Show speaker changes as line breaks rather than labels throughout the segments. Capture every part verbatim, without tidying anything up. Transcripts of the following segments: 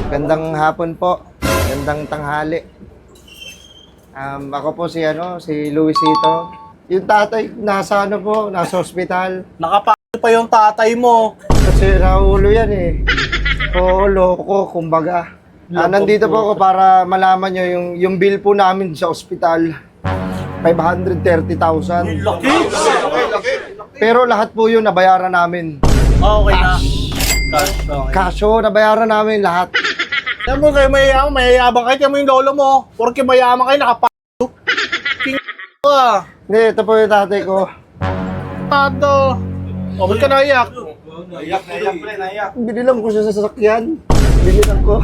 Gandang hapon po. Gandang tanghali. Um, ako po si ano, si Luisito. Yung tatay nasa ano po, nasa ospital.
Nakapalo pa yung tatay mo.
Kasi naulo yan eh. Oo, loko, kumbaga. Ah, nandito po ako para malaman nyo yung, yung bill po namin sa ospital. five hundred thirty thousand.
Laki!
Pero lahat po yun nabayaran namin.
Oh, okay na. Cash. Okay.
Kasyo, nabayaran namin lahat.
Alam mo kayo mayayaman, mayayabang kayo. Tiyan mo yung lolo mo. Porque mayaman kayo, nakapalo. King ka.
Hindi, ito po yung tatay ko.
Tato. O, ba't ka naiyak?
Naiyak, naiyak, pre, naiyak.
Binilang ko siya sa sasakyan. Binilang ko.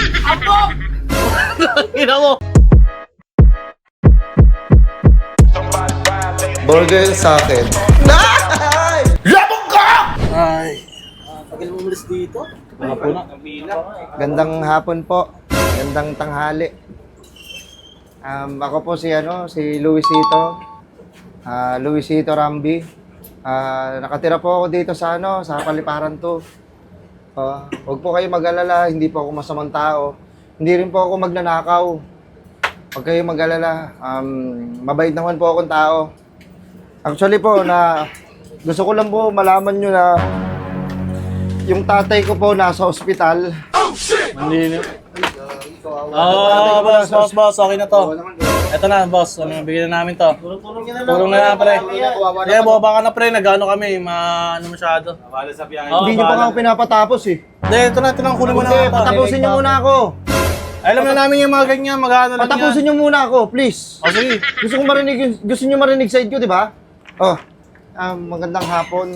Ina mo.
Burger sa akin.
Ay. Tagal mo umalis dito? Wala po na.
Gandang hapon po. Gandang tanghali. Um, ako po si ano, si Luisito. Ah, Luisito Rambi. Ah, nakatira po ako dito sa ano, sa Paliparan to. Oh, huwag po kayo mag-alala, hindi po ako masamang tao. Hindi rin po ako magnanakaw. Huwag kayo mag-alala. Um, mabait naman po akong tao. Actually po, na gusto ko lang po malaman nyo na yung tatay ko po nasa ospital.
Hindi na. Oo, boss, boss, boss. Okay na to. Ito na, boss. Ano, bigyan na namin to. Tulong na na, pre. Sige, baba ka na, pre. Nag-ano kami. Ma, ano masyado.
Wala sa biyahe.
Oo,
Hindi nyo pa
bahala.
nga ako pinapatapos eh.
Hindi, ito na. Ito na. Kunin mo na
Hindi,
ito.
patapusin nyo muna ako.
Alam na namin yung mga ganyan. Mag-ano lang yan.
Patapusin nyo muna ako, please.
O, sige.
Gusto ko marinig, yung- gusto nyo marinig side ko, di ba? Oh, um, magandang hapon.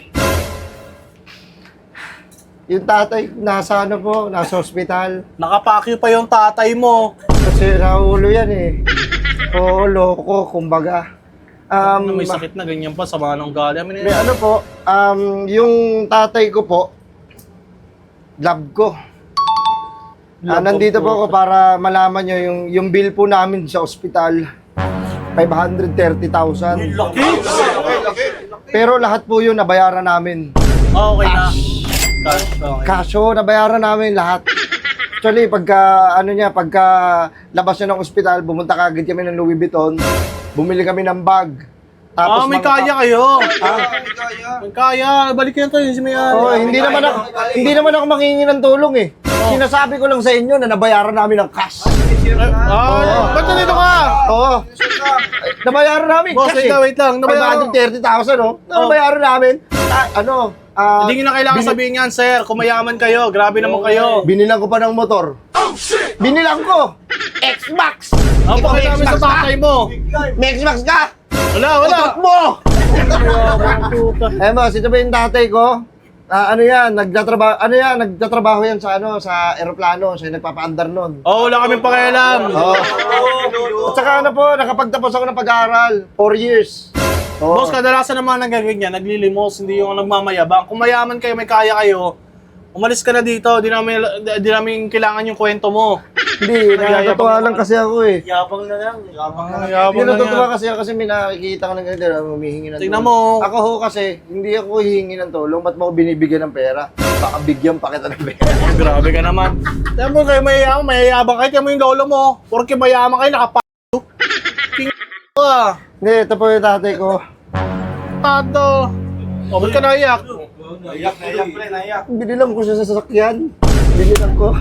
Yung tatay, nasa ano po, nasa ospital.
Nakapakyo pa yung tatay mo.
Kasi naulo yan eh. Oo, loko, kumbaga.
Ano,
Um,
may sakit na ganyan pa. Sama ng gali. Amin
may ano po, um, yung tatay ko po, love ko. Ah,
Love
nandito
ko
po ako para malaman nyo yung, yung bill po namin sa ospital. five hundred thirty thousand.
Laki!
Pero lahat po yun nabayaran namin.
Oh, okay na. Cash. Okay.
Kasyo, nabayaran namin lahat. Actually, pagka, ano niya, pagka labas niya ng ospital, bumunta kagad kami ng Louis Vuitton, bumili kami ng bag.
Ah, may
mga-
kaya kayo.
Ah,
May kaya. Balik yan to. Yung si Mayan.
oh, hindi naman ako, hindi naman ako manghingi ng tulong eh. Sinasabi ko lang sa inyo na nabayaran namin ng cash.
Ah, ba't nandito ka?
Oo. Nabayaran namin
Boss,
cash
wait
eh.
lang, wait lang.
five hundred thirty thousand, oh. Nabayaran namin. Ah, ano, ah,
Hindi nyo na kailangan
bini-
sabihin yan, sir. Kumayaman kayo. Grabe naman kayo.
Binilang ko pa ng motor. Binilang ko! X-Max!
Ang
Ikaw may
pakilamin sa
X-Max ka?
tatay mo.
May X-Max ka?
Wala, wala.
Utot mo! Eh boss, ito ba yung tatay ko? Ah, ano yan, nagtatrabaho, ano yan, nagtatrabaho yan sa ano, sa eroplano, siya yung nagpapaandar nun.
Oh, wala kaming pakialam.
Oo. At saka ano po, nakapagtapos ako ng pag-aaral, four years. Oo.
Boss, kadalasan naman nagaganyan, naglilimos, hindi yung nagmamayabang. Kung mayaman kayo, may kaya kayo, umalis ka na dito. Di namin, di namin kailangan yung kwento mo.
Hindi, nakakatuwa lang kasi ako eh.
Yabang na lang. Yabang na lang.
Yabang
Hindi
na
natutuwa
yan.
kasi ako kasi may nakikita ko ng ganito, humihingi ng
Tingnan
tulong.
mo.
Ako ho kasi, hindi ako hihingi ng tulong, ba't mo ako binibigyan ng pera? Baka bigyan pa kita ng pera.
Grabe ka naman. Tiyan mo kayo mayayaman, mayayabang kayo. Tiyan mo yung lolo mo. Porque mayaman kayo, nakapalo. King ka.
Hindi, ito po yung tatay ko.
Tato. O, ba't ka naiyak?
Naiyak, naiyak, pre, naiyak.
Binilang ko siya sa sasakyan. Binilang ko.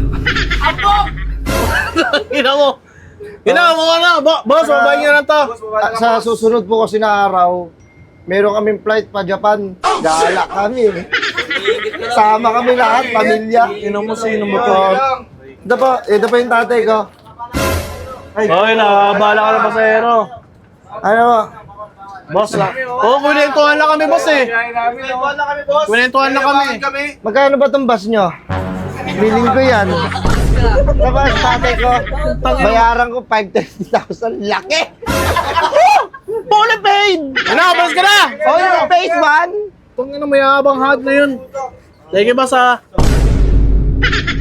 Ina mo. Ina mo na. Bo- Boss, babayin nyo na to.
Ah, sa susunod po kasi na araw, meron kaming flight pa Japan. Gala kami. Sama kami lahat, pamilya.
Ina mo, sino mo to?
Ito po, ito po yung tatay ko.
Okay na, bahala ka na pasahero.
Ano po?
Boss na. Oo, kunentuhan lang kami, boss eh.
Kwentuhan na kami, boss.
Kunentuhan lang kami.
kami.
Magkano ba itong bus nyo? Biling ko yan. Tapos tatay ko, bayaran ko five hundred thirty thousand. Laki! Fully paid!
Ano, boss ka na!
Oh, yung phase one?
Itong ina, mayabang hard na yun. Sige, boss ah.